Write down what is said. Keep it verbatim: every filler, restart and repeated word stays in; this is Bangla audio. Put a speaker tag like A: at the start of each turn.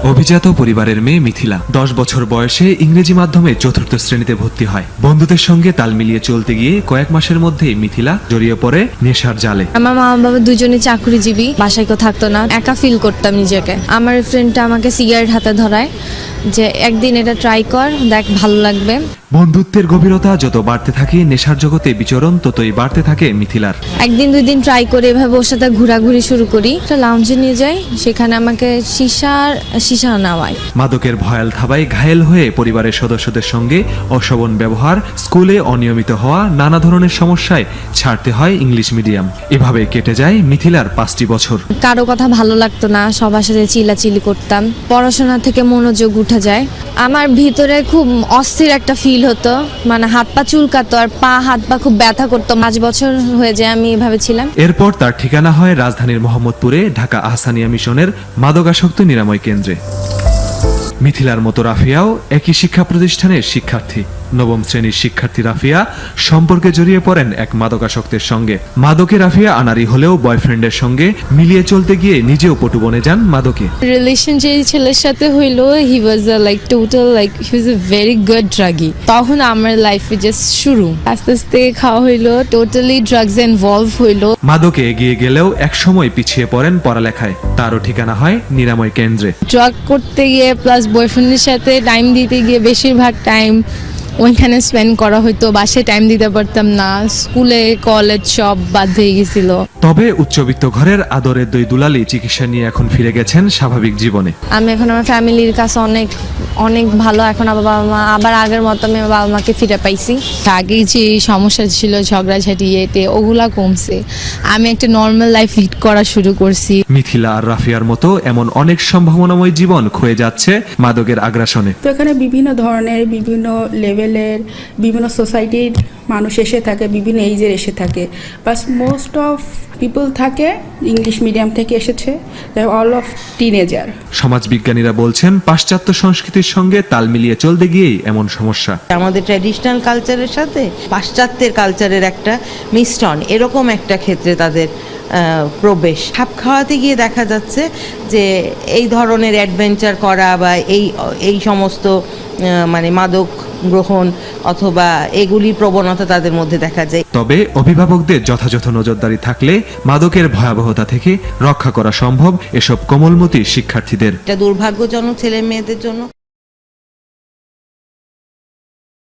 A: অভিজাত পরিবারের মেয়ে মিথিলা দশ বছর বয়সে ইংরেজি মাধ্যমে চতুর্থ শ্রেণীতে ভর্তি হয়। বন্ধুদের সঙ্গে তাল মিলিয়ে চলতে গিয়ে কয়েক মাসের মধ্যেই মিথিলা জড়িয়ে পড়ে নেশার জালে।
B: আমার মা বাবা দুজনে চাকরিজীবী, বাসায় কেউ থাকতো না, একা ফিল করতাম নিজেকে। আমার ফ্রেন্ডটা আমাকে সিগারেট হাতে ধরায় যে একদিন এটা ট্রাই কর, দেখ ভালো লাগবে।
A: বন্ধুত্বের গভীরতা যত বাড়তে থাকে, নেশার জগতে বিচরণ ততই বাড়তে থাকে মিথিলার।
B: একদিন দুই দিন ট্রাই করে এভাবে ওর সাথে ঘোরাঘুরি শুরু করি। একটা লাউঞ্জে নিয়ে যাই, সেখানে আমাকে সিসার সিসা নেওয়ায়।
A: মাদকের ভয়াল থাবায় ঘায়েল হয়ে পরিবারের সদস্যদের সঙ্গে অশোভন ব্যবহার, স্কুলে অনিয়মিত হওয়া, নানা ধরনের সমস্যায় ছাড়তে হয় ইংলিশ মিডিয়াম। এভাবে কেটে যায় মিথিলার পাঁচটি বছর।
B: কারো কথা ভালো লাগতো না, সবার সাথে চিল্লাচিল্লি করতাম, পড়াশোনা থেকে মনোযোগ উঠে যায়। আমার ভিতরে খুব অস্থির একটা ফিল হতো, মানে হাত পা চুলকাতো আর পা হাত পা খুব ব্যথা করতো। পাঁচ বছর হয়ে যায় আমি এভাবে ছিলাম।
A: এরপর তার ঠিকানা হয় রাজধানীর মোহাম্মদপুরে ঢাকা আহসানিয়া মিশনের মাদকাসক্ত নিরাময় কেন্দ্রে। মিথিলার মতো রাফিয়াও একই শিক্ষা প্রতিষ্ঠানের শিক্ষার্থী। নবম শ্রেণীর শিক্ষার্থী রাফিয়া সম্পর্কে জড়িয়ে পড়েন এক মাদকাসক্তের সঙ্গে। মাদকে রাফিয়া আনারি হলেও বয়ফ্রেন্ডের সঙ্গে মিলিয়ে চলতে গিয়ে নিজেও পটু বনে যান মাদকে।
B: রিলেশন যে ছেলের সাথে হইলো, he was like total like he was a very good druggie. তখন আমার লাইফে জাস্ট শুরু, আস্তে আস্তে খাওয়া হইলো, টোটালি ড্রাগস ইনভলভ হইলো।
A: মাদকে এগিয়ে গেলেও একসময় পিছিয়ে পড়েন পড়ালেখায়। তারও ঠিকানা হয় নিরাময় কেন্দ্রে।
B: ড্রাগ করতে গিয়ে প্লাস বয়ফ্রেন্ডের সাথে টাইম দিতে গিয়ে বেশিরভাগ টাইম ওইখানে স্পেন্ড করা হতো, বাসায় টাইম দিতে পারতাম না, স্কুলে কলেজ সব বাদ হয়ে গেছিল।
A: তবে উচ্চবিত্ত ঘরের আদরের দুই দুলালি চিকিৎসা নিয়ে এখন ফিরে গেছেন স্বাভাবিক জীবনে।
B: আমি এখন আমার ফ্যামিলির কাছে অনেক অনেক ভালো। এখন আমার বাবা মা আবার আগের মতো আমি বাবা মাকে ফিরে পাইছি।
C: আগে যে সমস্যা ছিল ঝগড়াঝাটি এতে ওগুলা কমছে, আমি একটা নর্মাল লাইফ লিড করা শুরু করছি।
A: মিথিলা আর রাফিয়ার মতো এমন অনেক সম্ভাবনাময় জীবন ক্ষয়ে যাচ্ছে মাদকের আগ্রাসনে।
D: তো এখানে বিভিন্ন ধরনের, বিভিন্ন লেভেলের, বিভিন্ন সোসাইটির মানুষ এসে থাকে, বিভিন্ন এইজের এসে থাকে, বাট মোস্ট অফ পিপল থাকে ইংলিশ মিডিয়াম থেকে এসেছে, অল অফ টিনেজার।
A: সমাজবিজ্ঞানীরা বলছেন পাশ্চাত্য সংস্কৃতির সঙ্গে তাল মিলিয়ে চলতে গিয়েই এমন সমস্যা।
E: আমাদের ট্র্যাডিশনাল কালচারের সাথে পাশ্চাত্যের কালচারের একটা মিশ্রণ, এরকম একটা ক্ষেত্রে তাদের প্রবেশ। খাপ খাওয়াতে গিয়ে দেখা যাচ্ছে যে এই ধরনের অ্যাডভেঞ্চার করা বা এই এই সমস্ত মানে মাদক গ্রহণ অথবা এগুলি প্রবণতা তাদের মধ্যে দেখা যায়।
A: তবে অভিভাবকদের যথাযথ নজরদারি থাকলে মাদকের ভয়াবহতা থেকে রক্ষা করা সম্ভব এসব কোমলমতি শিক্ষার্থীদের।
E: এটা দুর্ভাগ্যজনক ছেলে মেয়েদের জন্য।